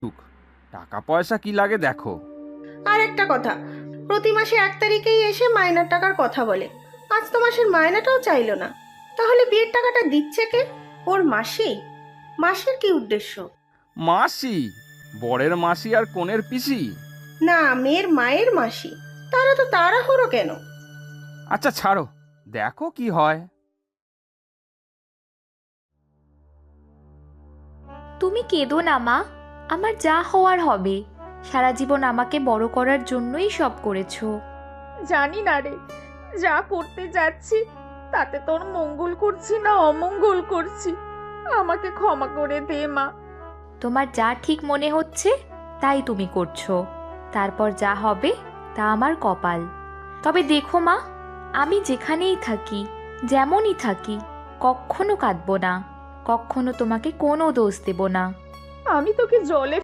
টাকা পয়সা কি লাগে দেখো। আর একটা কথা, প্রতি মাসে 1 তারিখেই এসে মাইনের টাকার কথা বলে। আজ তো মাসের মাইনাটাও চাইলো না। তাহলে বিয়ের টাকাটা দিচ্ছে কে? ওর মাসি? মাসির কি উদ্দেশ্য? মাসি? বরের মাসি আর কনের পিসি? না, মেয়ের মায়ের মাসি। তারা তো তাড়াহুড়ো কেন? আচ্ছা ছাড়ো, দেখো কি হয়। তুমি কেঁদো না মা, আমার যা হওয়ার হবে। সারা জীবন আমাকে বড় করার জন্যই সব করেছো। জানি না রে, যা করতে যাচ্ছি তাতে তোর মঙ্গল করছি না অমঙ্গল করছি। আমাকে ক্ষমা করে দে মা। তোমার যা ঠিক মনে হচ্ছে তাই তুমি করছো, তারপর যা হবে তা আমার কপাল। তবে দেখো মা, আমি যেখানেই থাকি, যেমনই থাকি, কখনো কাঁদবো না, কখনো তোমাকে কোনো দোষ দেব না। আমি তোকে জলে